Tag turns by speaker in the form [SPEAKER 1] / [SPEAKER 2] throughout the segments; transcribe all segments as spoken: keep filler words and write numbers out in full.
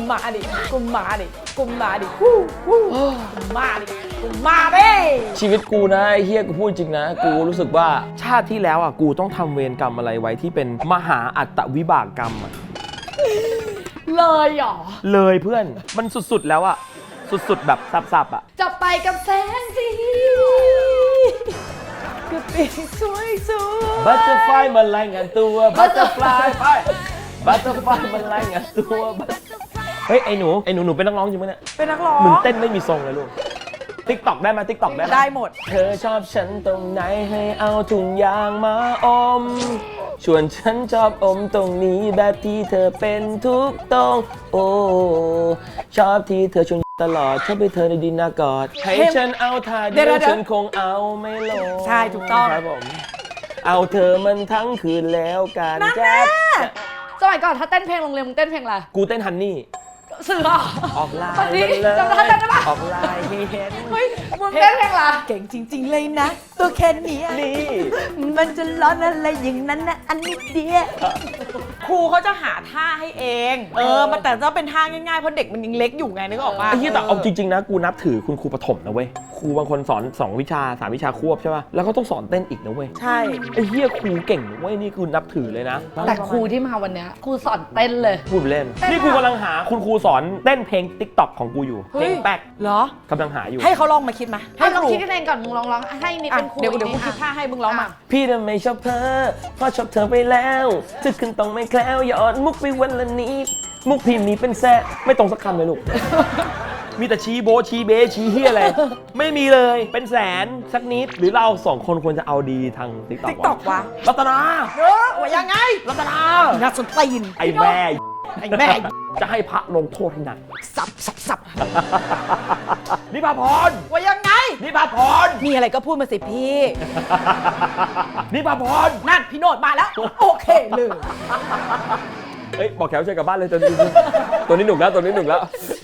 [SPEAKER 1] มาดิกูมาดิกูมาดิกูกูมาดิกูมาดิ
[SPEAKER 2] ชีวิตกูนะไอ้เฮียกูพูดจริงนะกูรู้สึกว่าชาติที่แล้วอ่ะกูต้องทำเวรกรรมอะไรไว้ที่เป็นมหาอัตวิบากกรรมอ่ะ
[SPEAKER 1] เลยเหรอ
[SPEAKER 2] เลยเพื่อนมันสุดๆแล้วอ่ะสุดๆแบบสับๆอ่ะ
[SPEAKER 1] จะไปกับแสงสีก็ปีสวยสวย
[SPEAKER 2] บัตเตอร์ไฟมันรายงานตัวบัตเตอร์ฟลายไปบัตเตอร์ไฟมันรายงานตัวเฮ้ยไอ้หนูไอ้หนูหนูเป็นนักร้องจริงไหมเนี่ย
[SPEAKER 1] เป็นนักร้อง
[SPEAKER 2] มึงเต้นไม่มีทรงเลยลูกติ๊กต็อกได้ไหมติ๊กต็อกได้ไหม
[SPEAKER 1] ได้หมด
[SPEAKER 2] เธอชอบฉันตรงไหนให้เอาถุงยางมาอมชวนฉันชอบอมตรงนี้แบบที่เธอเป็นทุกตรงโอ้ชอบที่เธอชวนตลอดชอบให้เธอในดินอากอดให้ฉันเอาท่าเดียวฉันคงเอาไม่ลง
[SPEAKER 1] ใช่ถูกต้อง
[SPEAKER 2] ครับผมเอาเธอมันทั้งคืนแล้วกันแจ๊บ
[SPEAKER 1] สมัยก่อนถ้าเต้นเพลงโรงเรียนมึงเต้นเพลงอะไร
[SPEAKER 2] กูเต้นฮันนี่
[SPEAKER 1] สื่อ
[SPEAKER 2] ออกลาย
[SPEAKER 1] จำได้ไหม
[SPEAKER 2] ออกลายให้เห็น
[SPEAKER 1] เฮ้ยมึงเต้นเพลงอะไรเก่งจริงๆเลยนะตัวแค่นี้
[SPEAKER 2] นี่
[SPEAKER 1] มันจะร้อนอะไรอย่างนั้นนะอันนี้เดียวครูเขาจะหาท่าให้เองเออมันแต่จะเป็นท่าง่ายๆเพราะเด็กมันยังเล็กอยู่ไงนึกออกป่ะ
[SPEAKER 2] ไอ้ที่แต่เอาจริงๆนะกูนับถือคุณครูประถมนะเว้ยครูบางคนสอนสองวิชาสามวิชาควบใช่ป่ะแล้วก็ต้องสอนเต้นอีกนะเว้ย
[SPEAKER 1] ใช่
[SPEAKER 2] ไอ้เหี้ยครูเก่งเว้ยนี่คือนับถือเลยนะ
[SPEAKER 1] แต่ครูที่มาวันนี้ครูสอนเต้นเลย
[SPEAKER 2] พูดเล่นนี่กูกำลังหาคุณครูสอนเต้นเพลง ติ๊กต็อก ของกูอยู่เพลงแป๊ก
[SPEAKER 1] เหรอ
[SPEAKER 2] กำลังหาอยู่
[SPEAKER 1] ให้เขาลองมาคิดมา
[SPEAKER 3] ให้ลองคิดกันเองก่อนมึงลองร้องให้นิดเป็นครู
[SPEAKER 1] เดี๋ยวเดี๋ยวกูคิดท่าให้มึงร้องมา
[SPEAKER 2] พี่ทำไมชอบเธอเพราะชอบเธอไปแล้วจะขึ้นต้องไม่แคล้วหยอดมุกไปวันละนิดมุกพิมพ์นี้เป็นแซ่ไม่ตรงสักคำเลยลูกมีแต่ชี้โบชี้เบชี้เฮียอะไรไม่มีเลยเป็นแสนสักนิดหรือเราสองคนควรจะเอาดีทาง ติ๊กต็อก
[SPEAKER 1] วะ
[SPEAKER 2] รัตนา
[SPEAKER 1] เออว่ายังไง
[SPEAKER 2] รัตนา
[SPEAKER 1] น่าสนตีน
[SPEAKER 2] ไอ้แม่
[SPEAKER 1] ไอ้แม่
[SPEAKER 2] จะให้พระลงโทษให้หนัก
[SPEAKER 1] สับสับสับ
[SPEAKER 2] นิพาพร
[SPEAKER 1] ว่ายังไง
[SPEAKER 2] นิพาพร
[SPEAKER 1] มีอะไรก็พูดมาสิพี่
[SPEAKER 2] นิพาพร
[SPEAKER 1] นั่นพี่โนดมาแล้วโอเคเลย
[SPEAKER 2] เอ้ยบอกแขวเชิญกลับบ้านเลยตัวนี้ตัวนี้หนุกแล้วตัวนี้หนุกแล้ว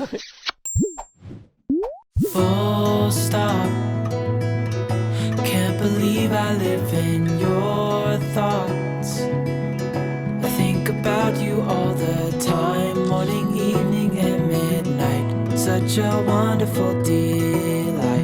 [SPEAKER 2] Full stop Can't believe I live in your thoughts I think about you all the time Morning, evening and midnight Such a wonderful delight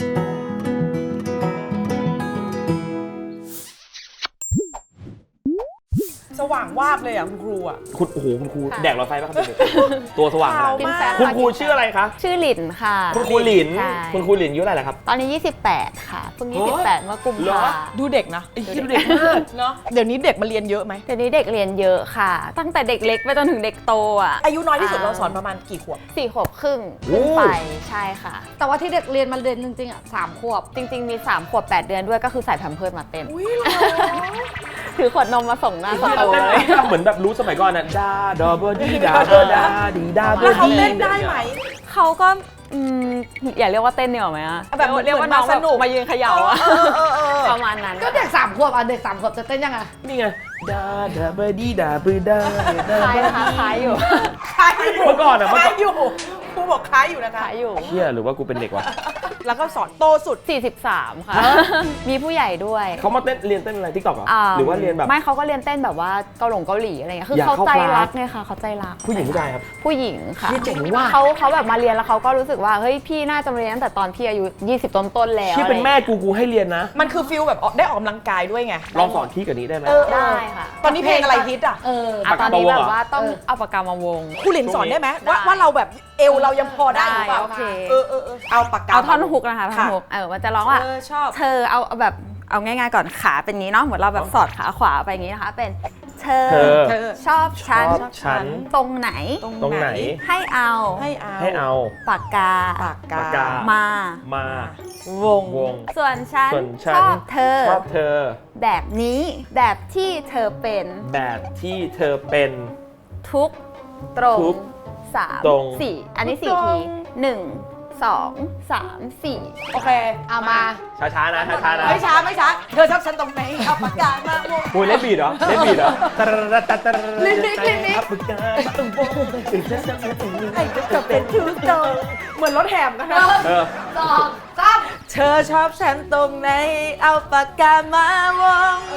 [SPEAKER 1] สว่างวาบเลยอ่ะคุณครูอ่ะ
[SPEAKER 2] คุณโอ้โหคุณครูแดกหลอดไฟป่ะครับตัวสว่างมากคุณครูชื่ออะไรคะ
[SPEAKER 3] ชื่อหลินค่ะ
[SPEAKER 2] คุณครูหลินคุณครูหลินอายุเท่าไหร่ครับ
[SPEAKER 3] ตอนนี้ยี่สิบแปดค่ะเพิ่งยี่สิบแปดเมื่อกุมภาพันธ์
[SPEAKER 1] ดูเด็กนะ
[SPEAKER 2] ดูเด็กมาก
[SPEAKER 1] เนาะเดี๋ยวนี้เด็กมาเรียนเยอะไหม
[SPEAKER 3] เดี๋ยวนี้เด็กเรียนเยอะค่ะตั้งแต่เด็กเล็กไปจนถึงเด็กโตอ่ะ
[SPEAKER 1] อายุน้อยที่สุดเราสอนประมาณกี่ขวบ
[SPEAKER 3] สี่ขวบครึ่งขึ้นไปใช่ค่ะแต่ว่าที่เด็กเรียนมาเรียนจริงๆอ่ะสามขวบจริงๆมีสามขวบแปดเดือนด้วยก็คือใส่แพมเพิร์สมาเต้นถือขวดนมมาส่งหน้าสตูเลย
[SPEAKER 2] เหมือนแบบรู้สมัยก่อนน่ะดาดอเบอร์ดีดาเบอร์ดาดีดาเบอร์ดี
[SPEAKER 1] แล้วเขาเล่นได้ไหม
[SPEAKER 3] เขาก็อย่าเรียกว่าเต้นเหนียวไหมอะ
[SPEAKER 1] แบบเรียกว่าน้องสนุก
[SPEAKER 3] มายืนเขย่าอะประมาณนั้น
[SPEAKER 1] ก็เด็กสามขวบอ่ะเด็กสามขวบจะเต้นยังไง
[SPEAKER 2] นี่ไงดาดาเบอร์ดีดาเบอร์ดา
[SPEAKER 3] คล้ายนะคะคล้ายอยู่
[SPEAKER 1] คล้ายอยู่
[SPEAKER 2] เมื่อก่อนอะ
[SPEAKER 1] คล้ายอยู่ครูบอกคล้ายอยู่นะคะ
[SPEAKER 3] คล้ายอยู่
[SPEAKER 2] เชี่ยหรือว่ากูเป็นเด็กวะ
[SPEAKER 1] แล้วก็สอนโตสุด
[SPEAKER 3] สี่สิบสามค่ะมีผู้ใหญ่ด้วย
[SPEAKER 2] เขามาเต้นเรียนเต้นอะไรติ๊กต็อกเหรอหรือว่าเรียนแบบ
[SPEAKER 3] ไม่เขาก็เรียนเต้นแบบว่าเกาหลงเกาหลีอะไรเงี้ยคือเขาใจรักไงค่ะเขาใจรัก
[SPEAKER 2] ผู้หญิงผู้ชายครับ
[SPEAKER 3] ผู้หญิงค่ะ
[SPEAKER 2] เจ๋งว่า
[SPEAKER 3] เขาเขาแบบมาเรียนแล้วเขาก็รู้สึกว่าเฮ้ยพี่น่าจะเรียนตั้งแต่ตอนพี่อายุยี่สิบต้นๆแล้ว
[SPEAKER 2] ที่เป็นแม่กูกูให้เรียนนะ
[SPEAKER 1] มันคือฟิลแบบได้ออกกำลังกายด้วยไง
[SPEAKER 2] ลองสอนที่กับนี้ได้ไหม
[SPEAKER 3] ได้ค่ะ
[SPEAKER 1] ตอนนี้เพลงอะไรฮิตอ่ะ
[SPEAKER 3] เออตอนนี้แบบว่าต้องเอาปากกามาวง
[SPEAKER 1] ครูหลินสอนได้ไหมว่าว่าเราแบบเอวเรายังพอได้หรือเปล่า
[SPEAKER 3] โอเค
[SPEAKER 1] เออเออเอาปากกา
[SPEAKER 3] เอาท่อนฮุกนะคะท่อนฮุกเออมันจะร้องว่า
[SPEAKER 1] ชอบ
[SPEAKER 3] เธอเอาแบบเอาง่ายๆก่อนขาเป็นงี้เนาะเหมือนเราแบบสอดขาขวาไปอย่างงี้นะคะเป็นเธอชอบฉันตรงไหน
[SPEAKER 2] ตรงไหน
[SPEAKER 3] ให้เอา
[SPEAKER 1] ให้เอา
[SPEAKER 2] ให้เอา
[SPEAKER 3] ปากกา
[SPEAKER 1] ปากกา
[SPEAKER 3] มา
[SPEAKER 2] มา
[SPEAKER 1] วง
[SPEAKER 2] วง
[SPEAKER 3] ส่วนฉันชอบเธอ
[SPEAKER 2] ชอบเธอ
[SPEAKER 3] แบบนี้แบบที่เธอเป็น
[SPEAKER 2] แบบที่เธอเป็น
[SPEAKER 3] ทุกตรงสามสี่อันนี้สี่ทีหนึ่งสองสามสี่
[SPEAKER 1] โอเคเอามา
[SPEAKER 2] ช้าๆนะช้าๆนะ
[SPEAKER 1] ไม่ช้าไม่ช้าเธอชอบฉันตรงไหนเอาปากกามาวง
[SPEAKER 2] โอ้ยเล่นบีดเหรอเล่นบีดเหรอ
[SPEAKER 1] เล่นนิกเล่นนิกปากกาตรงวงไอ้ก็เป็นทุกตรงเหมือนรถแหมนะคะ
[SPEAKER 3] สองสาม
[SPEAKER 1] เธอชอบฉันตรงไหนเอาปากกามาวง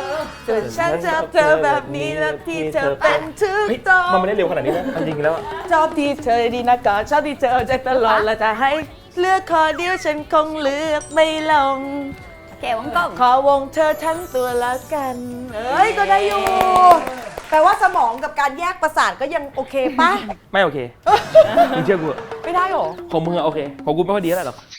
[SPEAKER 1] ส่วนฉันชอบเธอแบบนี้แล้วที่เธอเป็นทุก
[SPEAKER 2] เฮ้ย
[SPEAKER 1] ต้อง
[SPEAKER 2] มันไม่ได้เร็วขนาดนี้นะจริงๆแล้วอะ
[SPEAKER 1] ชอบที่เธอดีนะก็ชอบที่เธอใจตลอดและจะให้เลือกขอเดียวฉันคงเลือกไม่ลง
[SPEAKER 3] เก๋วงกลม
[SPEAKER 1] ขอวงเธอทั้งตัวแล้วกัน เอ้ยก็ได้อยู่แปลว่าสมองกับการแยกประสาทก็ยังโอเคปะ
[SPEAKER 2] ไม่โอเคมึงเชื่อกูเหอะ
[SPEAKER 1] ไม่ได้หรอ
[SPEAKER 2] ของมึงอะโอเคของกูไม่ค่อยดีเท่าไหร่หรอก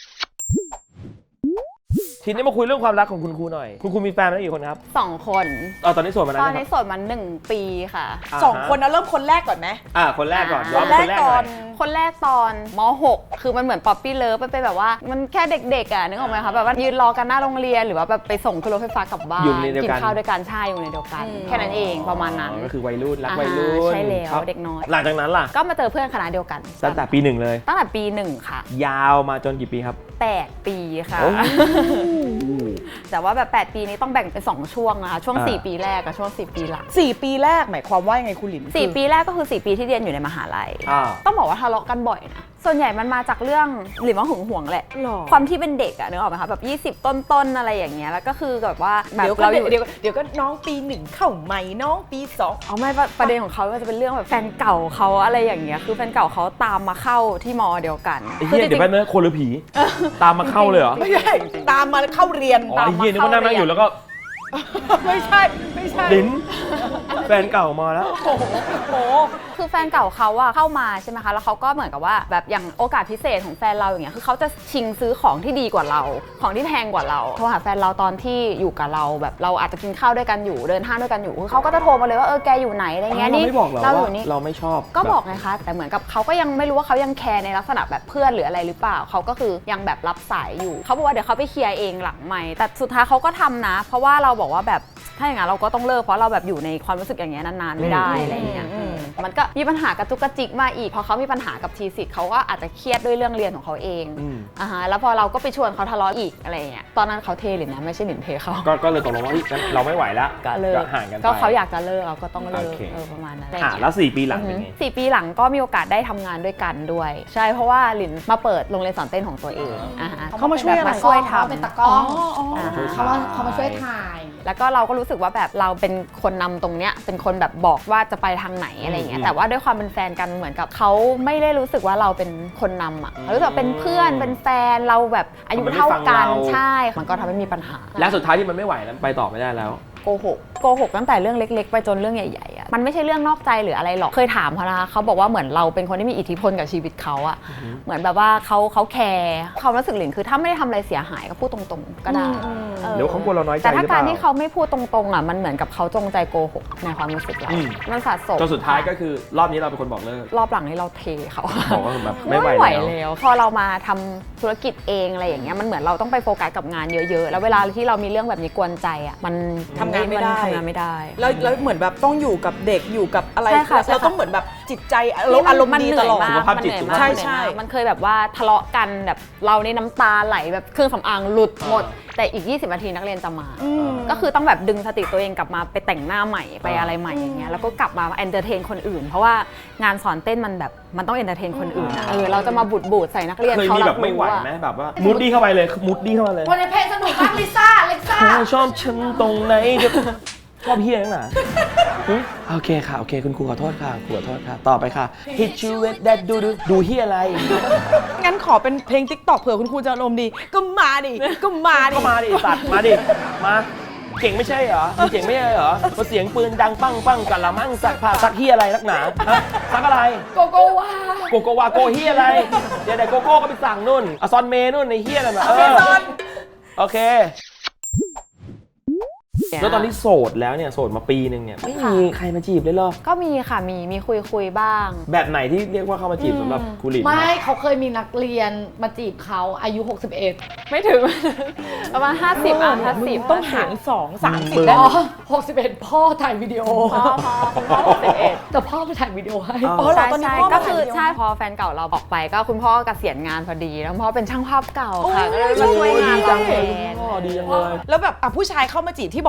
[SPEAKER 2] ทีนี้มาคุยเรื่องความรักของคุณครูหน่อยคุณครูมีแฟนมาแล้วกี่คนครับ
[SPEAKER 3] สองคน
[SPEAKER 2] อ๋อตอนนี้โสดมานาน
[SPEAKER 3] ตอน
[SPEAKER 2] ยังค
[SPEAKER 3] นี้
[SPEAKER 2] รับ
[SPEAKER 3] โสดมาหนึ่งปีค่ะ
[SPEAKER 1] สองคนนะเริ่มคนแรกก่อนไหม
[SPEAKER 2] อ่าคนแรกก่อนย้อน
[SPEAKER 1] แร
[SPEAKER 2] ไป
[SPEAKER 1] ก
[SPEAKER 2] คนแรก
[SPEAKER 1] ก่
[SPEAKER 2] ห
[SPEAKER 1] อ
[SPEAKER 2] น่อน ย
[SPEAKER 3] คนแรกตอนม หก คือมันเหมือนป๊อปปี้เลิฟมันเป็นแบบว่ามันแค่เด็กๆอ่ะนึกออกไหมคะแบบว่ายืนรอกันหน้าโรงเรียนหรือว่าแบบไปส่งขึ้นรถไฟฟ้ากลับบ้าน
[SPEAKER 2] อยู่ในเดียว
[SPEAKER 3] กิ
[SPEAKER 2] กัน
[SPEAKER 3] ข้าวด้วยกันใช่อยู่ในเดียวกัน แค่นั้นเองประมาณนั้น
[SPEAKER 2] ก็คือวัยรุ่นรัก
[SPEAKER 3] อ่า
[SPEAKER 2] วัยรุ่น
[SPEAKER 3] ใช่แล้ว
[SPEAKER 2] ครับ
[SPEAKER 3] เด็กน้อย
[SPEAKER 2] หลังจากนั้นล่ะ
[SPEAKER 3] ก็มาเจอเพื่อนคณะเดียวกัน
[SPEAKER 2] ตั้งแต่ปีหนึ่งเลย
[SPEAKER 3] ตั้งแต่ปีหนึ่งค่ะ
[SPEAKER 2] ยาวมาจนกี่ปีครับ
[SPEAKER 3] แปดปีค่ะ
[SPEAKER 2] โอ้
[SPEAKER 3] แต่ว่าแบบแปดปีนี้ต้องแบ่งเป็นสองช่วงนะคะช่วง
[SPEAKER 2] อ่า
[SPEAKER 3] สี่ปีแรกกับช่วงสี่ปีหลัง
[SPEAKER 1] สี่ปีแรกหมายความว่ายังไงคุณหลิน
[SPEAKER 3] สี่ปีแรกก็คือสี่ปีที่เรียนอยู่ในมหาลัย
[SPEAKER 2] อ่า
[SPEAKER 3] ต้องบอกว่าทะเลาะกันบ่อยนะ ส่วนใหญ่มันมาจากเรื่องหรือว่าหึงหวงแหละ
[SPEAKER 1] หรอ
[SPEAKER 3] ความที่เป็นเด็กอะนึกออกไหมคะแบบยี่สิบต้นๆอะไรอย่างเงี้ย แล้วก็คือแบบว่าแบบ
[SPEAKER 1] เดี๋ยวก็
[SPEAKER 3] เราอยู่
[SPEAKER 1] เดี๋ยวเดี๋ยวก็น้องปีหนึ่งเข้าใหม่น้องปีสอง
[SPEAKER 3] เอาไม่ประประเด็นของเขาก็จะเป็นเรื่องแบบแฟนเก่าเขาอะไรอย่างเงี้ย คือแฟนเก่าเขาตามมาเข้าที่มอเดียวกัน
[SPEAKER 2] ไอ้เหี้ยเดี๋ยวแป๊บนึงคนหรือผี ตามมาเข้าเลยเหรอ
[SPEAKER 1] ไม่ใช่ตามมาเข้าเรียน
[SPEAKER 2] อ๋อไอ้เหี้ยนึกว่านั่งนั่งอยู่แล้วก็
[SPEAKER 1] ไม่ใช่ไม่ใช่
[SPEAKER 2] ลิ้นแฟนเก่ามาแล้ว
[SPEAKER 1] โอ้โหโอ้โห
[SPEAKER 3] คือแฟนเก่าเขาอะเข้ามาใช่ไหมคะ แล้วเขาก็เหมือนกับว่าแบบอย่างโอกาสพิเศษของแฟนเราอย่างเงี้ย คือเขาจะชิงซื้อของที่ดีกว่าเรา ของที่แพงกว่าเรา โทรหาแฟนเราตอนที่อยู่กับเราแบบเราอาจจะกินข้าวด้วยกันอยู่เดินห้างด้วยกันอยู่คือเขาก็จะโทรมาเลยว่าเออแกอยู่ไหนอะไรเงี้ย
[SPEAKER 2] เรา
[SPEAKER 3] นี่
[SPEAKER 2] ไม่บอกเหรอ
[SPEAKER 3] เราอ
[SPEAKER 2] ว่า
[SPEAKER 3] ยู่นี่
[SPEAKER 2] เราไม่ชอบ
[SPEAKER 3] ก็บอกไงคะ แต่เหมือนกับเขาก็ยังไม่รู้ว่าเขายังแคร์ในลักษณะแบบเพื่อนหรืออะไรหรือเปล่า เขาก็คือยังแบบรับสายอยู่ เขาบอกว่าเดี๋ยวเขาไปเคลียร์เองหลังไมค์แต่สุดท้ายเขาก็ทำนะ เพราะว่าเราบอกว่าแบบถ้าอย่างนั้นเราก็ต้องเลิกเพราะเราแบบอยู่ในความรู้สึกอย่างเงี้ยนานๆไม่ได้อะไรอย่างเงี้ยอืมมันก็มีปัญหากระจุกกระจิกมาอีกพอเขามีปัญหากับทีสิทธิ์เขาก็อาจจะเครียดด้วยเรื่องเรียนของเขาเอง
[SPEAKER 2] อืม
[SPEAKER 3] อ่าฮะแล้วพอเราก็ไปชวนเขาทะเลาะอีกอะไรอย่างเงี้ยตอนนั้นเขาเทหรือนะไม่ใช่หนินเทเขา
[SPEAKER 2] ก็ก็เลยตกลงว่าเฮ้ยงั้นเราไม่ไหวแล้ว
[SPEAKER 3] ก็เลิก
[SPEAKER 2] ห่างกันไป
[SPEAKER 3] ก็เขาอยากจะเลิกเราก็ต้องเลิก
[SPEAKER 2] โอเค
[SPEAKER 3] เออประมาณนั้น
[SPEAKER 2] อ่ะแล้วสี่ปีหลังเป็นไง
[SPEAKER 3] สี่ปีหลังก็มีโอกาสได้ทำงานด้วยกันด้วย ใช่เพราะว่าหลินมาเปิดโรงเรียนสอนเต้นของตัวเองอ่าฮะ
[SPEAKER 1] เขามาช่วยอะไร
[SPEAKER 3] มาช่วยทำ
[SPEAKER 4] เป็นตากล้อง
[SPEAKER 3] อ่า
[SPEAKER 2] ช่วย
[SPEAKER 3] ฮะ
[SPEAKER 4] เขามาเขามาช่วยถ่าย
[SPEAKER 3] แล้วก็เราก็รู้สึกว่าแบบเราเป็นคนนำตรงเนี้ยเป็นคนแบบบอกว่าจะไปทางไหนอะไรอย่างเงี้ยแต่ว่าด้วยความเป็นแฟนกันเหมือนกับเขาไม่ได้รู้สึกว่าเราเป็นคนนำอ่ะเขารู้สึกว่าเป็นเพื่อนเป็นแฟนเราแบบอายุเท่ากันใช่มันก็ทำให้มีปัญหา
[SPEAKER 2] และสุดท้ายที่มันไม่ไหวแล้วไปต่อไม่ได้แล้ว
[SPEAKER 3] โกหกโกหกตั้งแต่เรื่องเล็กๆไปจนเรื่องใหญ่ๆอ่ะมันไม่ใช่เรื่องนอกใจหรืออะไรหรอกเคยถามเขานะคะเขาบอกว่าเหมือนเราเป็นคนที่มีอิทธิพลกับชีวิตเขาอ่ะเหมือนแบบว่าเขาเขาแคร์ความรู้สึกหลินคือถ้าไม่ได้ทำอะไรเสียหายก็พูดตรงๆก็ได้ออ
[SPEAKER 2] เดี๋ยวเขากลัวเราน้อยใจ
[SPEAKER 3] แต่ถ้า
[SPEAKER 2] หรือเป
[SPEAKER 3] การ
[SPEAKER 2] ล่า
[SPEAKER 3] ที่เขาไม่พูดตรงๆอ่ะมันเหมือนกับเขาจงใจโกหกในความรู้สึกเรา
[SPEAKER 2] อืม
[SPEAKER 3] มันสะสม
[SPEAKER 2] จนสุดท้ายก็คือรอบนี้เราเป็นคนบอกเลิก
[SPEAKER 3] รอบหลังนี้เราเทเขา
[SPEAKER 2] บอกว่าแบบไม่ไหวแล้ว
[SPEAKER 3] แล้วพอเรามาทำธุรกิจเองอะไรอย่างเงี้ยมันเหมือนเราต้องไปโฟกัสกับงานเยอะๆ แล้วเวลาที่เรามีเรื่องแบบนี้กวนใจอ่ะมัน
[SPEAKER 1] ทำงานไม่ได้
[SPEAKER 3] ทำงานไม่ได้
[SPEAKER 1] แล้วแล้วเหมือนแบบต้องอยู่กับเด็กอยู่กับอะไร
[SPEAKER 3] ใช่ค่ะใช่ค่ะ
[SPEAKER 1] เราต้องเหมือนแบบจิตใจเราอารมณ์ดีตลอด
[SPEAKER 3] มันเหนื่อยมาก
[SPEAKER 2] สุขภาพจิต
[SPEAKER 3] มันเหนื่อย
[SPEAKER 2] สุข
[SPEAKER 3] มาก
[SPEAKER 2] ภาพ
[SPEAKER 1] ใช่
[SPEAKER 3] มันเหนื่อยมาก
[SPEAKER 1] ใช่
[SPEAKER 3] มันเคยแบบว่าทะเลาะกันแบบเราในน้ำตาไหลแบบเครื่องสำอางหลุดหมด แต่อีกยี่สิบนาทีนักเรียนจะมา ก็คือต้องแบบดึงสติตัวเองกลับมาไปแต่งหน้าใหม่ไปอะไรใหม่อย่างเงี้ยแล้วก็กลับมาเอนเตอร์เทนคนอื่น เพราะว่างานสอนเต้นมันแบบมันต้องเอนเตอร์เทนคนอื่นอะเออเราจะมาบูดบูดใส่นักเรียน
[SPEAKER 2] เคย
[SPEAKER 3] เขา
[SPEAKER 2] มี
[SPEAKER 3] รั
[SPEAKER 2] แบบ บไม่ไหว
[SPEAKER 3] รู้อะ
[SPEAKER 2] ไหมแบบว่ามุดดี้เข้าไปเลยมุดดี้เข้ามาเลย
[SPEAKER 4] วันนี้เพลงสนุกมากลิซ่าเล็กซ่า
[SPEAKER 2] เธอชอบฉันตรงไหนเดี๋ยวชอบเฮียนักหนาหึโอเคค่ะโอเคคุณครูขอโทษค่ะครูขอโทษค่ะต่อไปค่ะ hit you with that ดูดูดูเฮียอะไร
[SPEAKER 1] งั้นขอเป็นเพลง ติ๊กต็อก เผื่อคุณครูจะอารมณ์ดี ก็มาดิ ก็มาดิ
[SPEAKER 2] ก็มาดิสัตว์มาดิมาเก่งไม่ใช่เหรอมึงเก่งไม่ใช่เหรอพอเสียงปืนดังปังปังกันละมั่งสักผ่าสักเฮียอะไรนักหนาฮะสักอะไร
[SPEAKER 4] โกโก้ว่า
[SPEAKER 2] โกโกวาโกเฮียอะไรเดี๋ยวไหนโกโก้ก็ไปสั่งนู่นอซอนเมนู่นในเฮียนั่นน่ะเออโอเคแล้วตอนนี้โสดแล้วเนี่ยโสดมาปีหนึ่งเนี่ยไม่มีใครมาจีบเลยเหรอ
[SPEAKER 3] ก็มีค่ะมีมีคุยคุยๆบ้าง
[SPEAKER 2] แบบไหนที่เรียกว่าเข้ามาจีบสำหรับครูหลิน
[SPEAKER 4] ไม่เขาเคยมีนักเรียนมาจีบเขาอายุ หกสิบเอ็ด
[SPEAKER 3] ไม่ถึง ประมาณห้าสิบอ่ะห้าสิบ
[SPEAKER 1] ต้องหารสองสามสิบ
[SPEAKER 2] มึง
[SPEAKER 1] ได้
[SPEAKER 4] อ๋
[SPEAKER 1] ไหม
[SPEAKER 4] อหกสิบเอ็ดพ่อถ่ายวิดีโอ
[SPEAKER 3] พ่อพ่อคุณพ่อหกสิบเอ็ด
[SPEAKER 4] แต่พ่อไปถ่ายวิดีโอให้
[SPEAKER 1] อ๋อเหรอ
[SPEAKER 3] ใช่
[SPEAKER 1] ตอนนี้
[SPEAKER 3] ใช่
[SPEAKER 1] พ่อมา
[SPEAKER 3] ก็คือ
[SPEAKER 1] ถ่ายวิดีโอ
[SPEAKER 3] ใช่พอแฟนเก่าเราออกไปก็คุณพ่อเกษียณงานพอดีแล้วพ่อเป็นช่างภาพเก่าค่ะก็เลยมาช่วยงาน
[SPEAKER 2] ดีจั
[SPEAKER 3] เรา
[SPEAKER 2] ง
[SPEAKER 3] แท
[SPEAKER 2] เลย
[SPEAKER 3] น
[SPEAKER 2] พ่อดีจังเลย
[SPEAKER 1] แล้วแบบอ่ะผู้ชายเข้ามาจีบที่บอก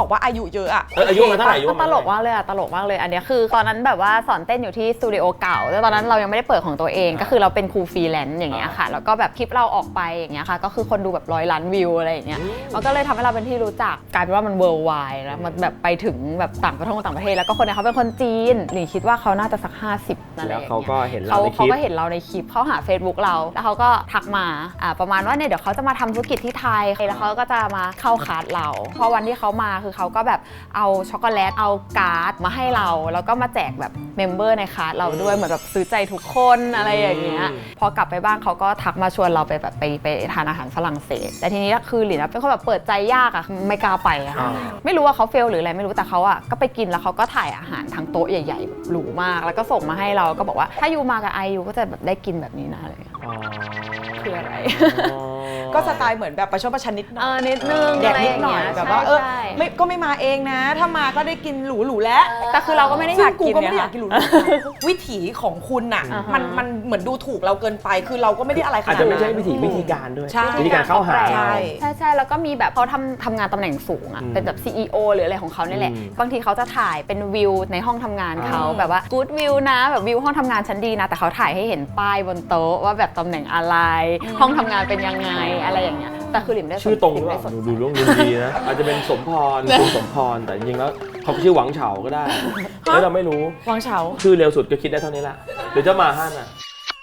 [SPEAKER 1] ว่าอายุเยอะอะ
[SPEAKER 2] เอออายุมันเท่าไหร่อายุ
[SPEAKER 3] ตลกมากเลยอะตลกมากเลยอันเนี้ยคือตอนนั้นแบบว่าสอนเต้นอยู่ที่สตูดิโอเก่าแต่ตอนนั้นเรายังไม่ได้เปิดของตัวเองก็คือเราเป็นครูฟรีแลนซ์อย่างเงี้ยค่ะแล้วก็แบบคลิปเราออกไปอย่างเงี้ยค่ะก็คือคนดูแบบร้อยล้านวิวอะไรอย่างเงี้ยมันก็เลยทำให้เราเป็นที่รู้จักกลายเป็นว่ามันเวิลด์ไวด์แล้วมันแบบไปถึงแบบต่างประเทศต่างประเทศแล้วก็คนเนี่ยเขาเป็นคนจีนหลิงคิดว่าเขาน่าจะสักห้าสิบนั่นแห
[SPEAKER 2] แล้
[SPEAKER 3] ละ
[SPEAKER 2] วเขาก็เห็นเรา
[SPEAKER 3] เขา
[SPEAKER 2] ในค
[SPEAKER 3] เขา
[SPEAKER 2] ลิป
[SPEAKER 3] ก็เห็นเราในคลิปเขาหา Facebook เราแล้วเขาก็ทักมาอ่าประมาณว่าเนี่ยเดี๋ยวเขาจะมาทำธุรกิจที่ไทยแล้วเขาก็จะมาเข้าคลาสเราพอวันที่เขามาคือเขาก็แบบเอาช็อกโกแลตเอาการ์ดมาให้เราแล้วก็มาแจกแบบเมมเบอร์ในคลาสเราด้วยเหมือนแบบซื้อใจทุกคนอะไรอย่างเงี้ยพอกลับไปบ้านเขาก็ทักมาชวนเราไปแบบไปไปทานอาหารฝรั่งเศสแต่ทีนี้คือหลินเป็นคนแบบเปิดใจยากอะไม่กล้าไปอะค่ะไม่รู้ว่าเขาเฟลหรืออะไรไม่รู้แต่เขาอะก็ไปกินแล้วเขาก็ถ่ายอาหารทั้งโต๊ะใหญ่ๆหรูมากแล้วก็ส่งมาให้เราก็บอกว่าถ้ายูมากับไอยูก็จะแบบได้กินแบบนี้นะอะไรอย่างเงี้ย
[SPEAKER 2] อ๋อ
[SPEAKER 3] คืออะไร
[SPEAKER 1] ก็สไตล์เหมือนแบบประชดประชันนิดหน่
[SPEAKER 3] เอ
[SPEAKER 1] อย
[SPEAKER 3] อนิดนึง
[SPEAKER 1] แดกนิดหน่อย
[SPEAKER 3] ะไราง
[SPEAKER 1] แบบ
[SPEAKER 3] เงี้
[SPEAKER 1] ว่าเออ
[SPEAKER 3] ใช่
[SPEAKER 1] ไม่ก็ไม่มาเองนะ ถ้ามาก็ได้กินหรูหรูๆแล้ว
[SPEAKER 3] แต่คือเราก็ไม่ได้อ
[SPEAKER 1] ซึ่
[SPEAKER 3] ยาง ก
[SPEAKER 1] กู
[SPEAKER 3] กิน
[SPEAKER 1] ก็ไม่ได้
[SPEAKER 3] เนี่
[SPEAKER 1] อยากกินหรูๆวิถีของคุณน่ะ
[SPEAKER 3] อ่าฮะ
[SPEAKER 1] มันมันเหมือนดูถูกเราเกินไปคือเราก็ไม่ได้อะไรขนาด
[SPEAKER 2] อาจ
[SPEAKER 1] นั้น
[SPEAKER 2] จะไม่ใช่วิธีวิธีการด้วย
[SPEAKER 1] ใช่
[SPEAKER 2] วิธีการเข้าหา
[SPEAKER 1] ใช่
[SPEAKER 3] ใช่ใช่แล้วก็มีแบบเขาทำทำงานตำแหน่งสูงอะ
[SPEAKER 2] อืม
[SPEAKER 3] เป็นแบบ ซี อี โอ หรืออะไรของเขาเนี่ยแหละ
[SPEAKER 2] อืม
[SPEAKER 3] บางทีเขาจะถ่ายเป็นวิวในห้องทำงานเขา
[SPEAKER 2] อ่า
[SPEAKER 3] แบบว่ากู๊ดวิวนะแบบวิวห้องทำงานฉันดีนะ แต่เขาถ่ายให้เห็นป้ายบนโต๊ะว่าแบบตำแหน่งอะไร ห้องทำงานเป็นยังไงอะไรอย่างเงี้ยแต่คือหลิมได้สน
[SPEAKER 2] ชื่อตรงหรือ
[SPEAKER 3] ลิม
[SPEAKER 2] เป
[SPEAKER 3] ได้
[SPEAKER 2] ล่า
[SPEAKER 3] สน
[SPEAKER 2] ดูดูเรื่องดูดีนะ อาจจะเป็นสมพรคุณสมพรแต่จริงๆแล้วเขาชื่อหวังเฉาก็ได้แล้วเราไม่รู้
[SPEAKER 1] วางเฉา
[SPEAKER 2] ชื่อเร็วสุดก็คิดได้เท่านี้ละหรือจะมาห้าน่ะ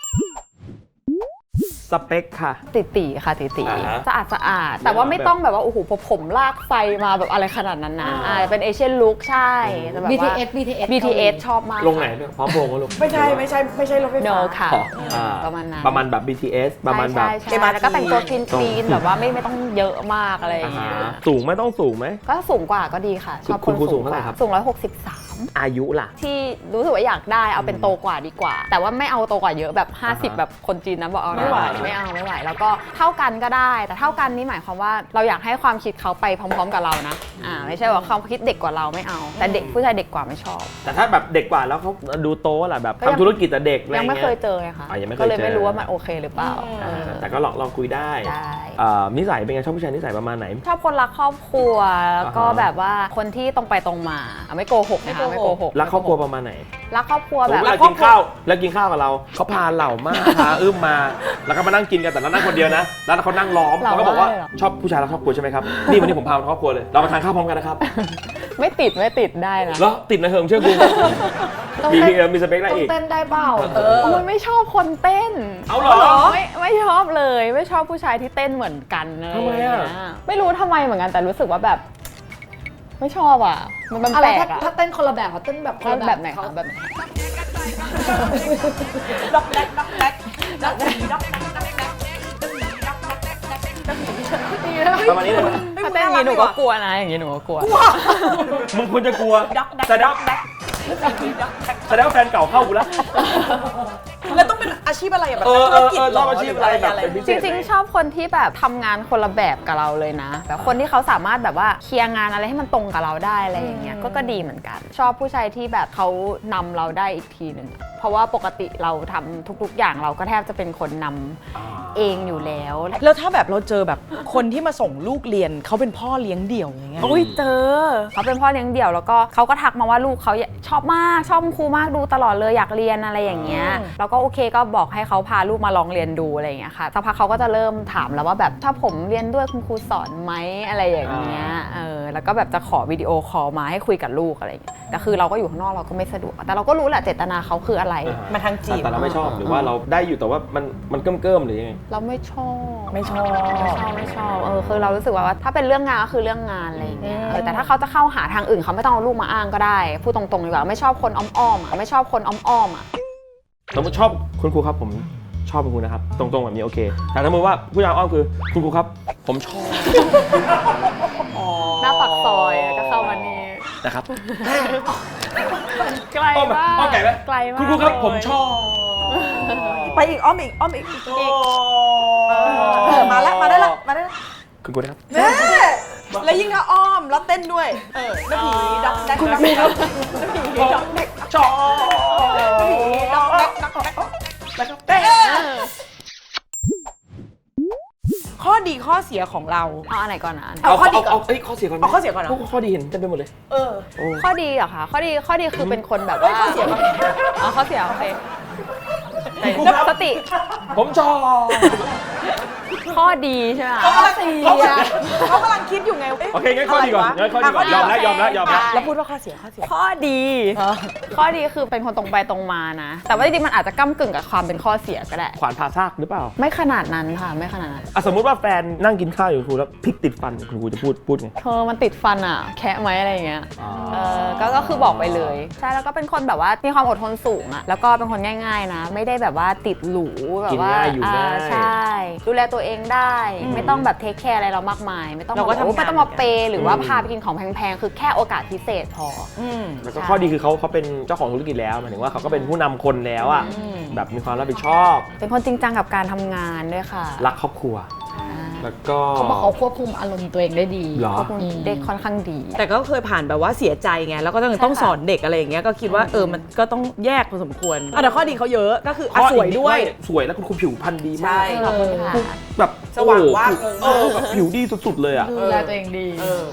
[SPEAKER 2] สเปคค่ะ
[SPEAKER 3] ติตีค่ะติตี
[SPEAKER 2] อ่าฮะ
[SPEAKER 3] สะอาดสะอาดแต่ว่าไม่ต้องแบบว่าโอ้โหผมลากไฟมาแบบอะไรขนาดนั้นนะอ่าเป็นเอเชียนลุคใช่แต่แบบว่า
[SPEAKER 4] บี ที เอส บี ที เอส
[SPEAKER 3] บี ที เอส ชอบมาก
[SPEAKER 2] ลงไหนเนี่ยพร้อมโพงก็ลง
[SPEAKER 1] ไม่ใช่ไม่ใช่ไม่ใช่รถไฟ
[SPEAKER 3] โน
[SPEAKER 1] ฟ้า
[SPEAKER 3] ค่ะ
[SPEAKER 2] อ๋ออ่า
[SPEAKER 3] ประมาณนั้น
[SPEAKER 2] ประมาณแบบ บี ที เอส ประมาณแบบ
[SPEAKER 3] ใช่ใช่
[SPEAKER 1] เอ็มอาร์ที
[SPEAKER 3] แล้วก็แต่งตัวคลีนคลีนแบบว่าไม่ไม่ต้องเยอะมากอะไรอ
[SPEAKER 2] อ่า
[SPEAKER 3] ย่างเงี้ย
[SPEAKER 2] ฮะสูงไหมต้องสูงไหม
[SPEAKER 3] ก็สูงกว่าก็ดีค่ะ ชอบ
[SPEAKER 2] คุ
[SPEAKER 3] ค
[SPEAKER 2] ณ
[SPEAKER 3] น
[SPEAKER 2] ครูสู
[SPEAKER 3] สู
[SPEAKER 2] ง
[SPEAKER 3] ง
[SPEAKER 2] เท่าก ไหร่
[SPEAKER 3] ว่า
[SPEAKER 2] ครับ
[SPEAKER 3] สูงร้อยหกสิบสาม
[SPEAKER 2] อายุล่ะ
[SPEAKER 3] ที่รู้สึกว่าอยากได้เอาเป็นโตกว่าดีกว่า แต่ว่าไม่เอาโตกว่าเยอะแบบ ห้าสิบ
[SPEAKER 2] อ่าฮะ
[SPEAKER 3] แบบคนจีนนะบอกเอา
[SPEAKER 1] ไม่ไหว
[SPEAKER 3] ไม่เอาไม่ไหวแล้วก็เท่ากันก็ได้ แต่เท่ากันนี่หมายความว่าเราอยากให้ความคิดเขาไปพร้อม ๆ กับเรานะอ่าไม่ใช่ว่าความคิดเด็กกว่าเราไม่เอา แต่เด็กผู้ชายเด็กกว่าไม่ชอบ
[SPEAKER 2] แต่ถ้าแบบเด็กกว่าแล้วเขาดูโตแหละแบบ
[SPEAKER 3] ก็ยัง
[SPEAKER 2] ทำธุรกิจแต่เด็กอะไร
[SPEAKER 3] ยัง
[SPEAKER 2] เงี้ย
[SPEAKER 3] ไม่เคยเจอไงคะ
[SPEAKER 2] อ่ะยังไม่เคย
[SPEAKER 3] ก็เลยไม่
[SPEAKER 2] เจอ
[SPEAKER 3] รู้ว่ามันโอเคหรือเปล่าเออ
[SPEAKER 2] แต่ก็ลองลองคุยได้
[SPEAKER 3] ได้
[SPEAKER 2] อ่านิสัยเป็นไงชอบผู้ชายนิสัยประมาณไหน
[SPEAKER 3] ชอบคนรักครอบครัวแล้วก็
[SPEAKER 2] อ่าฮะ
[SPEAKER 3] แบบว่าคนที่ตรงไปตรงมาอ่ะไม่โกหกนะคะไม่โกหก
[SPEAKER 2] รักครอบครัวประมาณไหน
[SPEAKER 3] รักครอบครัว
[SPEAKER 2] สม
[SPEAKER 3] แบ
[SPEAKER 2] ม
[SPEAKER 3] บ
[SPEAKER 2] ติเรากินข้าวแล้วกินข้าวกับเราเขาพาเหล่ามากพาอึ้มมา แล้วก็มานั่งกินกันแต่เรานั่งคนเดียวนะ แล้วเขานั่งล้อมเขาก็บอกว่าชอบผู้ชายรักครอบครัวใช่ไหมครับนี่วันนี้ผมพามาครอบครัวเลยเรามาทานข้าวพร้อมกันนะครับ
[SPEAKER 3] ไม่ติดไม่ติดได้นะ
[SPEAKER 2] แล้วติดนะเฮิมเชื่อกู
[SPEAKER 4] ต้อง
[SPEAKER 2] มี
[SPEAKER 4] เต้น
[SPEAKER 2] เออมีสเปคอะไร
[SPEAKER 4] ต้อง
[SPEAKER 2] อีก
[SPEAKER 4] เต้นได้เปล่า
[SPEAKER 1] เออ
[SPEAKER 3] โอ้ยไม่ชอบคนเต้น
[SPEAKER 2] เอาเหรอ
[SPEAKER 3] ไม่ไม่ชอบเลยไม่ชอบผู้ชายที่เต้นเหมือนกันอะไร
[SPEAKER 2] ทำไมอะ
[SPEAKER 3] อย่างเงี้ยไม่รู้ทำไมเหมือนกันแต่รู้สึกว่าแบบ ไม่ชอบอ่ะ มันมัน
[SPEAKER 4] อะ
[SPEAKER 3] แป
[SPEAKER 4] ไร
[SPEAKER 3] ล
[SPEAKER 4] ถ้าก
[SPEAKER 3] อ่ะ
[SPEAKER 4] ถ้าเต้นคนละแบบเขาเต้นแบบคนละ
[SPEAKER 3] แบบไหน
[SPEAKER 4] เขา
[SPEAKER 3] คะแบบไหน
[SPEAKER 1] ด็อกแดกด็อกแดกด็อกแดกด็อกแดกด็อกแดก
[SPEAKER 2] ประมาณนี้เลยไหม
[SPEAKER 3] ถ้าเต้นอย่างนี้หนูก็กลัวนะอย่างนี้หนูก็กลัว
[SPEAKER 2] มึงควรจะกลัว
[SPEAKER 1] ด็อกแดก
[SPEAKER 2] แสด
[SPEAKER 1] ด็
[SPEAKER 2] ง
[SPEAKER 1] อกแดก
[SPEAKER 2] แสดงว่าแฟนเก่าเข้ากูแล้ว
[SPEAKER 1] แล้วต้องเป็นอาชีพอะไรอะแบบ
[SPEAKER 2] เออ
[SPEAKER 1] ธุรกิจ
[SPEAKER 2] เออ
[SPEAKER 1] เหร
[SPEAKER 2] ชอบอาชีพอะไรแบบเป็นพิ
[SPEAKER 3] จ
[SPEAKER 2] เศษ
[SPEAKER 3] ริงๆ ชอบคนที่แบบทำงานคนละแบบกับเราเลยนะแบบคนที่เขาสามารถแบบว่าเคลียร์งานอะไรให้มันตรงกับเราได้อะไรอย่างเงี้ยก็ก็ดีเหมือนกัน ชอบผู้ชายที่แบบเขานำเราได้อีกทีหนึ่งอะเพราะว่าปกติเราทำทุกๆ อย่างเราก็แทบจะเป็นคนนำเองอยู่แล้ว
[SPEAKER 1] แล้วถ้าแบบเราเจอแบบคนที่มาส่งลูกเรียนเขาเป็นพ่อเลี้ยงเดี่ยวอย่างเงี้ย
[SPEAKER 3] โอ้ยเจอเขาเป็นพ่อเลี้ยงเดี่ยวแล้วก็เขาก็ทักมาว่าลูกเขาชอบมากชอบคุณครูมากดูตลอดเลยอยากเรียนอะไรอย่างเงี้ยแล้วก็โอเคก็บอกให้เขาพาลูกมาลองเรียนดูอะไรอย่างเงี้ยค่ะสักพักเขาก็จะเริ่มถามแล้วว่าแบบถ้าผมเรียนด้วยคุณครูสอนไหมอะไรอย่างเงี้ยเออแล้วก็แบบจะขอวิดีโอคอลมาให้คุยกับลูกอะไรอย่างเงี้ยแต่คือเราก็อยู่ข้างนอกเราก็ไม่สะดวกแต่เราก็รู้แหละเจตนาเขาคืออะไร
[SPEAKER 1] มาทางจีบ
[SPEAKER 2] แต่เราไม่ชอบหรือว่าเราได้อยู่แต่ว่ามันมันเกิ่มเกิ่มๆหรือยังไง
[SPEAKER 3] เราไม่ชอบ
[SPEAKER 1] ไม่ชอบ
[SPEAKER 3] ไม่ชอบไม่ชอบเออคือเรารู้สึกว่าถ้าเป็นเรื่องงานก็คือเรื่องงานอะไรอย่างเงี้ยเออแต่ถ้าเขาจะเข้าหาทางอื่นเขาไม่ต้องเอาลูกมาอ้างก็ได้พูดตรงๆดีกว่าไม่ชอบคนอ้อมๆอ่ะไม่ชอบคนอ้อมๆอ่ะ
[SPEAKER 2] สมมติชอบคุณครูครับผมชอบคุณครูนะครับ ตรงๆแบบนี้โอเคแต่ถ้าสมมติว่าผู้ชายอ้อมคือคุณครูครับ ผมชอบ
[SPEAKER 3] หน้าปากซอยก็เข้ามานี่
[SPEAKER 2] นะครับ
[SPEAKER 3] ไกล
[SPEAKER 2] อ้อมแบบ
[SPEAKER 3] มาก
[SPEAKER 2] อ้อมไก่ไหม
[SPEAKER 3] ไกลมาก
[SPEAKER 2] คุณครูครับ
[SPEAKER 3] เลย
[SPEAKER 2] ผมชอบ
[SPEAKER 1] ไปอีกอ้อมอีกอ้อมอีก
[SPEAKER 2] อีก
[SPEAKER 1] เออมาแล้วมาได้ละมาได้ละ
[SPEAKER 2] คุณครูนะครับ
[SPEAKER 1] แม่แล้วยิ่งถ้าอ้อมแล้วเต้นด้วยเออน้าผีด็อกแดก
[SPEAKER 2] คุณครูครับ
[SPEAKER 1] น้าผีด็อกแดก
[SPEAKER 2] ชอบ
[SPEAKER 1] น้าผีด็อกแดกด็อกแดก
[SPEAKER 2] นะครับ
[SPEAKER 1] เต้นข้อดีข้ออเสียของเรา
[SPEAKER 3] เอาอันไหนก่อนนะ
[SPEAKER 1] เอาข้อดีก่อน
[SPEAKER 2] เอาเอ้ยข้อเสียก่อนไหม
[SPEAKER 1] เอาข้อเสียก่อนเหรอ
[SPEAKER 2] พวข้อดีเห็นเต็มไปหมดเลย
[SPEAKER 1] เออ
[SPEAKER 2] โอ้
[SPEAKER 3] ข้อดีเหรอคะข้อดีข้อดีคือเป็นคนแบบว่า
[SPEAKER 1] ข้อเสียก่อน
[SPEAKER 3] เอาข้อเสียโอเคสติ
[SPEAKER 2] ผมชอบ
[SPEAKER 3] ข้อดีใช่ไหม
[SPEAKER 1] เขากำลังเขากำลังเขากำลังคิดอยู่ไง
[SPEAKER 2] โอเคงั้นข้อดีก่อน
[SPEAKER 1] ะไรวะ
[SPEAKER 2] งั้นข้อดีก่อนยอมแล้วยอมแล้วยอมแล้ว
[SPEAKER 1] แล้วพูดว่าข้อเสียข้อเสีย
[SPEAKER 3] ข้อดี ข้อดีคือเป็นคนตรงไปตรงมานะ แต่ว่าจริงๆมันอาจจะก้ำกึ่งกับความเป็นข้อเสียก็ได้
[SPEAKER 2] ขวานผ่าซากหรือเปล่า
[SPEAKER 3] ไม่ขนาดนั้นค่ะไม่ขนาดนั้น
[SPEAKER 2] อ่ะสมมุติว่าแฟนนั่งกินข้าวอยู่ครูแล้วพริกติดฟันคุณครูจะพูดพูดไง
[SPEAKER 3] เธอมันติดฟันอ่ะแคะไหมอะไรอย่างเงี้ย
[SPEAKER 2] อ๋อ
[SPEAKER 3] เออก็ก็คือบอกไปเลยใช่แล้วก็เป็นคนแบบว่ามีความอดทนสูงอ่ะแล้วก็เป็นคนง่ายๆนะ ไม่ได้แบบว่าติดหรูแบบว่า
[SPEAKER 2] กินง่ายอยู่ง่าย
[SPEAKER 3] ใช่ดูแลตัวเองได้ ไม่ต้องแบบเทคแคร์อะไรเรามากมาย ไม่ต้อง
[SPEAKER 1] เราก็
[SPEAKER 3] แบบ
[SPEAKER 1] ทำงาน
[SPEAKER 3] โอ้ไม่ต้องมาเปย์หรือว่าพาไปกินของแพงๆคือแค่โอกาสพิเศษพอ
[SPEAKER 1] อืม
[SPEAKER 2] แล้วก็ข้อดีคือเขาเขาเป็นเจ้าของธุรกิจแล้วหมายถึงว่าเขาก็เป็นผู้นำคนแล้วอ่ะแบบมีความรับผิดชอบ
[SPEAKER 3] เป็นคนจริงจังกับการทำงานด้วยค่ะ
[SPEAKER 2] รักครอบครัว แล้วก็
[SPEAKER 4] เขาบอกเขาควบคุมอารมณ์ตัวเองได้ดี
[SPEAKER 2] เหรอ
[SPEAKER 3] ควบคุมได้ค่อนข้างดี
[SPEAKER 1] แต่ก็เคยผ่านแบบว่าเสียใจไงแล้วก็ต้องต้องสอนเด็กอะไรอย่างเงี้ยก็คิดว่าเออมันก็ต้องแยกพอสมควรอ่ะแต่ข้อดีเขาเยอะก็คืออ่ะ
[SPEAKER 2] ข้อ
[SPEAKER 1] สวยด้วย
[SPEAKER 2] สวยแล้วคุณครูผิวพรรณดีมาก
[SPEAKER 1] ใช่
[SPEAKER 3] ขอบคุณค่ะ
[SPEAKER 2] แบบ
[SPEAKER 1] สว่าง
[SPEAKER 2] โอ้โห
[SPEAKER 1] วาบ
[SPEAKER 2] เออแบบผิวดีสุดๆเลยอ่ะ
[SPEAKER 4] ดูแลตัวเองดี
[SPEAKER 1] เออ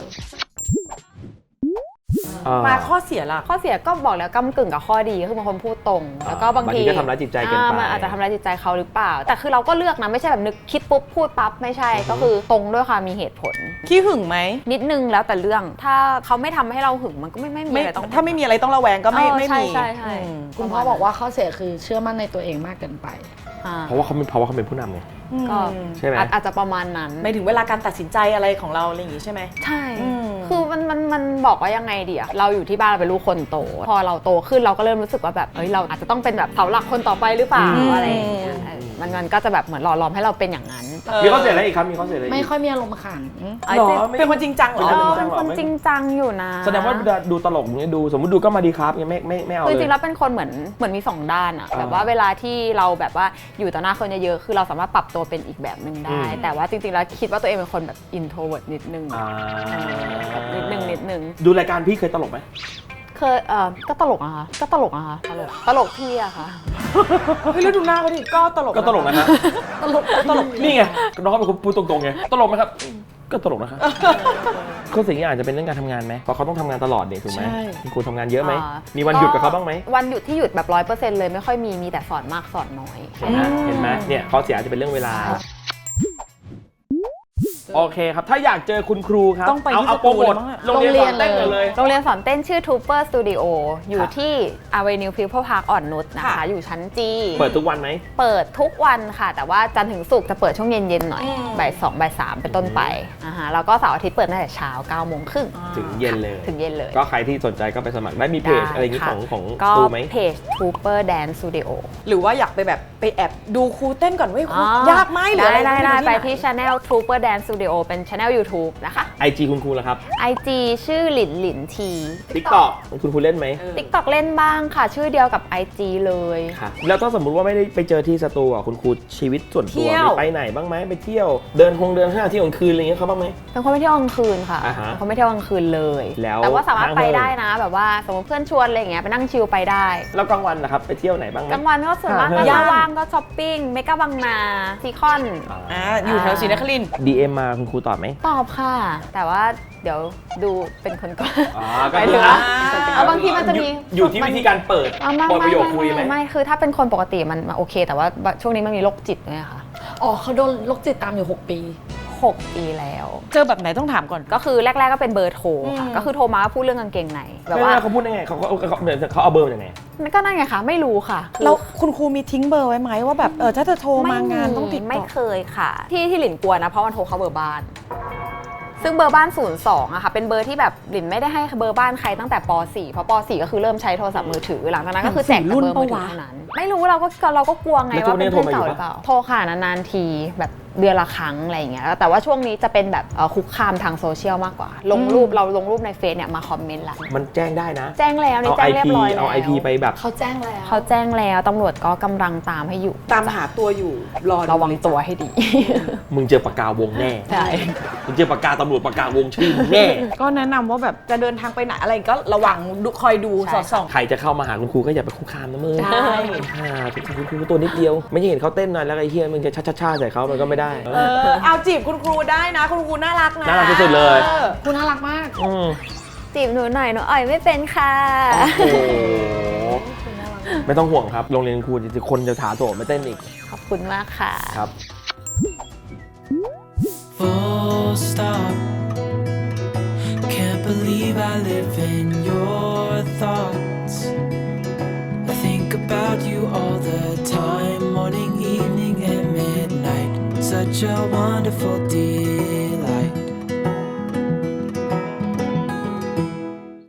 [SPEAKER 2] เออ
[SPEAKER 1] มาข้อเสียล่ะ
[SPEAKER 3] ข้อเสียก็บอกแล้วก้ำกึ่งกับข้อดีคือบางคนพูดตรง แล้วก็บางที
[SPEAKER 2] บางทีก็ทำร้ายจิตใจเกินไป
[SPEAKER 3] อ่ามันอาจจะทำร้ายจิตใจเขาหรือเปล่า แต่คือเราก็เลือกนะไม่ใช่แบบนึกคิดปุ๊บพูดปั๊บไม่ใช่ก็คือตรงด้วยความมีเหตุผล
[SPEAKER 1] ขี้หึงไหม
[SPEAKER 3] นิดนึงแล้วแต่เรื่องถ้าเขาไม่ทำให้เราหึงมันก็ไม่ไม่มี
[SPEAKER 1] ไม่
[SPEAKER 3] อะไรต้อง
[SPEAKER 1] ถ้าไม่มีอะไรต้องระแวงก็ไม่
[SPEAKER 3] เออ
[SPEAKER 1] ไม่
[SPEAKER 3] ใช่
[SPEAKER 1] มี
[SPEAKER 3] ใช่ใช่
[SPEAKER 1] อืม
[SPEAKER 4] คุณพ่อบอกว่าข้อเสียคือเชื่อมั่นในตัวเองมากเกินไป
[SPEAKER 3] อ่า
[SPEAKER 2] เพราะว่าเขาเป็นเพราะว่าเขาเป็นผู้นำไง
[SPEAKER 3] ก็
[SPEAKER 2] ใช่ไหม
[SPEAKER 3] อาจอาจจะประมาณนั้น
[SPEAKER 1] ไม่ถึงเวลาการตัดสินใจอะไรของเราอะไรอย่างงี้ใช่ไหม
[SPEAKER 3] ใช่
[SPEAKER 1] อืม
[SPEAKER 3] คือมันมันมันบอกว่ายังไงดีอะเราอยู่ที่บ้านเราเป็นลูกคนโต พอเราโตขึ้นเราก็เริ่มรู้สึกว่าแบบเฮ้ยเราอาจจะต้องเป็นแบบเสาหลักคนต่อไปหรือเปล่า
[SPEAKER 1] อืม
[SPEAKER 3] อะไรอย่างเงี้ยเออมันมันก็จะแบบเหมือนหล่อหลอมให้เราเป็นอย่างนั้น
[SPEAKER 2] มีข้อเสียอะไรอีกครับมีข้อเสียอะไรอีก
[SPEAKER 4] ไม่ค่อยมีอารมณ์ขัน
[SPEAKER 2] หรอ
[SPEAKER 1] เป็นคนจริงจังเหรอ
[SPEAKER 3] เออเป็นคนจริงจังอยู่นะ
[SPEAKER 2] แสดงว่าดูตลกอย่างเงี้ยดูสมมติดูก็มาดีครับยังไม่ไม่ไม่เอา
[SPEAKER 3] คือ
[SPEAKER 2] เล
[SPEAKER 3] จริ
[SPEAKER 2] ย
[SPEAKER 3] งๆแล้วเป็นคนเหมือนเหมือนมีสองด้านอะ
[SPEAKER 2] อ่า
[SPEAKER 3] แบบว่าเวลาที่เราแบบว่าอยู่ต่อหน้าคนเยอะๆคือเราสามารถปรับตัวเป็นอีกแบบหนึ่งได้
[SPEAKER 2] อืม
[SPEAKER 3] แต่ว่าจริงๆแล้วคิดว่าตัวเองเป็นคนแบบ introvert นิดนึง
[SPEAKER 2] อ่า
[SPEAKER 3] แบบนิดนึงนิดนึง
[SPEAKER 2] ดูรายการพี่เคยตลกไหม
[SPEAKER 3] เคยเออก็ตลกอะคะก็ตลกอะคะตลกตลกพี่อะค่ะ
[SPEAKER 1] เฮ้ยแล้วดูหน้าเขาดิก็ตลก
[SPEAKER 2] ก็ตลกนะฮะ
[SPEAKER 1] ตลกตลก
[SPEAKER 2] นี่ไงน้องเขาเป็นคนพูดตรงๆไงตลกไหมครับก็ตลกนะครับข้อเสียอาจจะเป็นเรื่องการทำงานไหมเพราะเขาต้องทำงานตลอดเนี่ยถูกไหมคุณครูทำงานเยอะไหม
[SPEAKER 3] อ่า
[SPEAKER 2] มีวันหยุดกับเขาบ้างไหม
[SPEAKER 3] วันหยุดที่หยุดแบบร้อยเปอร์เซ็นต์เลยไม่ค่อยมีมีแต่สอนมากสอนน้อย
[SPEAKER 2] เห็นไหมเห็นไหมเนี่ยข้อเสียอาจจะเป็นเรื่องเวลาโอเคครับถ้าอยากเจอคุณครูครับ
[SPEAKER 1] ต้องไป
[SPEAKER 2] เอา
[SPEAKER 1] ที่
[SPEAKER 2] เอา
[SPEAKER 1] ส
[SPEAKER 2] โปร
[SPEAKER 1] ตู
[SPEAKER 2] โมท
[SPEAKER 1] เลยมั้งอะ
[SPEAKER 2] โรงเรียนสอนเต้นก่อนเลย
[SPEAKER 3] โรงเรียนสอนเต้นชื่อ Trooper Studio อยู่
[SPEAKER 2] ครับ
[SPEAKER 3] ที่ Avenue People Park อ่อนนุชนะคะ
[SPEAKER 1] ค่ะ
[SPEAKER 3] อยู่ชั้นจี
[SPEAKER 2] เปิดทุกวันไหม
[SPEAKER 3] เปิดทุกวันค่ะ แต่ว่าจันทร์ถึงศุกร์จะเปิดช่วงเย็นๆหน่อย
[SPEAKER 1] อืม
[SPEAKER 3] บ่ายสองบ่ายสามเป็นต้นไปอ่าฮะแล้วก็เสาร์อาทิตย์เปิดตั้งแต่เช้าเก้าโมงครึ่ง
[SPEAKER 2] ถึงเย็นเลย
[SPEAKER 3] ถึงเย็นเลย
[SPEAKER 2] ก็ใครที่สนใจก็ไปสมัครได้มีเพจ
[SPEAKER 3] ได้
[SPEAKER 2] อะไรอย่างงี้
[SPEAKER 3] ค่ะ
[SPEAKER 2] ของของ
[SPEAKER 3] ก็
[SPEAKER 2] ครูไหม
[SPEAKER 3] เพจ Trooper Dance Studio
[SPEAKER 1] หรือว่าอยากไปแบบไปแอบดูครูเต้นก่อนเว้ยครู
[SPEAKER 3] อ๋อย
[SPEAKER 1] ากไหมหรือ
[SPEAKER 3] ได้
[SPEAKER 1] อะไร
[SPEAKER 3] ได้ได้
[SPEAKER 1] หน
[SPEAKER 3] ไปที่ Channel Trooper Dance Studio เป็น Channel YouTube นะคะ
[SPEAKER 2] ไอจีคุณครูแล้วครับ
[SPEAKER 3] ไอ จี ชื่อหลินหลินที
[SPEAKER 2] TikTok คุณครูเล่นไหม
[SPEAKER 3] TikTok เล่นบ้างค่ะ ชื่อเดียวกับ ไอ จี เลย
[SPEAKER 2] ค่ะแล้วถ้าสมมุติว่าไม่ได้ไปเจอที่สตูอ่ะคุณครูชีวิตส่วนตัว
[SPEAKER 1] เที่ยว
[SPEAKER 2] มีไปไหนบ้างไหมไปเที่ยวเดินคงเดินห้างเที่ยวกลางคืนอะไรอย่างเงี้ยเขาบ้างไหม
[SPEAKER 3] เป็นคนไม่เที่ยวกลางคืนค่ะ
[SPEAKER 2] อ่าฮะ
[SPEAKER 3] เป็นคนไม่เที่ยวกลางคืนเลย
[SPEAKER 2] แล้ว
[SPEAKER 3] แต่ว่าสามารถ
[SPEAKER 2] ห้าง
[SPEAKER 3] ไป
[SPEAKER 2] เมือง
[SPEAKER 3] ได้นะ แบบว่าสมมติเพื่อนชวนอะไรอย่างเงี้ยไปนั่งชิลไปได้
[SPEAKER 2] แล้วกลางวันนะครับไปเที่ยวไหนบ้างไหม
[SPEAKER 3] กลางวันก็ส่วนมาก
[SPEAKER 2] ห้าง
[SPEAKER 3] ก็
[SPEAKER 2] เมือง
[SPEAKER 3] ว่างก็ช้อปปิ้งเมกะบางนาซีคอน
[SPEAKER 1] อ่าอยู่แถวศรีนครินทร์
[SPEAKER 2] ดี เอ็ม มาคุณครูตอบไหม
[SPEAKER 3] ตอบค่ะ แต่ว่าเดี๋ยวดูเป็นคนก่อน
[SPEAKER 2] อ๋อ
[SPEAKER 3] หมายถึงว่า เอาบางทีมันจะมี
[SPEAKER 2] อยู่ที่วิธีการเปิด
[SPEAKER 3] อ่ะไม่
[SPEAKER 2] เปิดป
[SPEAKER 3] ไม่
[SPEAKER 2] ระโยค
[SPEAKER 3] ไม่
[SPEAKER 2] คุยไหม
[SPEAKER 3] ไม่ไม่คือถ้าเป็นคนปกติมันมันโอเค แต่ว่าช่วงนี้มันมีโรคจิตด้วยค่ะ
[SPEAKER 4] อ๋อเขาโดนโรคจิตตามอยู่ หก ปี
[SPEAKER 3] หกปีแล้ว
[SPEAKER 1] เจอแบบไหนต้องถามก่อน
[SPEAKER 3] ก็คือแรก ๆก็เป็นเบอร์โทรค่ะ
[SPEAKER 1] อืม
[SPEAKER 3] ก็คือโทรมาพูดเรื่องกางเกงในแบบ
[SPEAKER 2] ไม่
[SPEAKER 3] ว่า
[SPEAKER 2] ไม่เขาพูดยังไงเขาเขาเขาเดี๋ยวเขาเอาเบอร์มาจากไหน
[SPEAKER 3] ก็นั่นไงคะไม่รู้ค่ะคือ
[SPEAKER 1] แล้วคุณครูมีทิ้งเบอร์ไว้ไหมว่าแบบเออถ้าจะโทรมางานต้องติดต่อ
[SPEAKER 3] ไม่เคยค่ะ ที่ที่หลินกลัวนะเพราะมันโทรเข้าเบอร์บ้าน ซึ่งเบอร์บ้านศูนย์สองอะค่ะเป็นเบอร์ที่แบบหลินไม่ได้ให้เบอร์บ้านใครตั้งแต่ป .สี่ เพราะป .สี่ ก็คือเริ่มใช้โทรศัพท์มือถือหลังจากนั้นก็คือแจกแต่เบอร์มือถือเท่านั้นไม่รู้เราก็เราก็กลัวไงว่าเป็นเพื่อนเก่าหรือเปล่าโทรค่ะนานๆทีแบบเดือนละครั้งอะไรอย่างเงี้ยแต่ว่าช่วงนี้จะเป็นแบบเอ่อคุกคามทางโซเชียลมากกว่า ลงรูปเราลงรูปในเฟซเนี่ยมาคอมเมนต์ละ
[SPEAKER 2] มันแจ้งได้นะ
[SPEAKER 3] แจ้งแล้วนี่
[SPEAKER 2] เอา
[SPEAKER 3] แจ้
[SPEAKER 2] ไอง
[SPEAKER 3] เรีย
[SPEAKER 2] พี
[SPEAKER 3] บร้อยแล้ว
[SPEAKER 2] เอาไอพีไปแบบ
[SPEAKER 4] เขาแจ้งแล้ว
[SPEAKER 3] เขาแจ้งแล้วตำรวจก็กำลังตามให้อยู่
[SPEAKER 1] ตามหาตัวอยู่รอดู
[SPEAKER 3] ระวังตัวให้ดี
[SPEAKER 2] มึงเจอปากกาวงแน่
[SPEAKER 3] ใช่
[SPEAKER 2] มึงเจอปากกาตำรวจปากกาวงชื่อมึงแน่
[SPEAKER 1] ก็แนะนำว่าแบบจะเดินทางไปไหนอะไรก็ระวังดูคอยดู
[SPEAKER 3] ใช่
[SPEAKER 1] สอดส่อง
[SPEAKER 2] ใครจะเข้ามาหาคุณครูก็อย่าไปคุกคามนะมึง
[SPEAKER 1] ใช่
[SPEAKER 2] ค่ะคุณครูตัวนิดเดียว ไม่ใช่เห็นเขาเต้นหน่อยแล้วไอ้เฮียมึงจะช่าๆๆใส่เขามันก็ไม่ได้ได้
[SPEAKER 1] เออเอาจีบคุณครูได้นะ คุณครูน่ารักนะ
[SPEAKER 2] น่ารักที่สุดเลย
[SPEAKER 1] ออ
[SPEAKER 4] คุณน่ารักมาก
[SPEAKER 2] อืม
[SPEAKER 3] จีบหนูหน่อยหนูอ่อยไม่เป็นค่ะ
[SPEAKER 2] โอ้โหไม่ต้องห่วงครับโรงเรียนครูจริงๆคนจะถาโถมไม่เต้นอีก
[SPEAKER 3] ขอบคุณมากค่ะ
[SPEAKER 2] ครับ
[SPEAKER 5] Full stop. Can't believe I live in your thoughts. I think about you all the time, morning, evening, and midnight. Such a wonderful delight.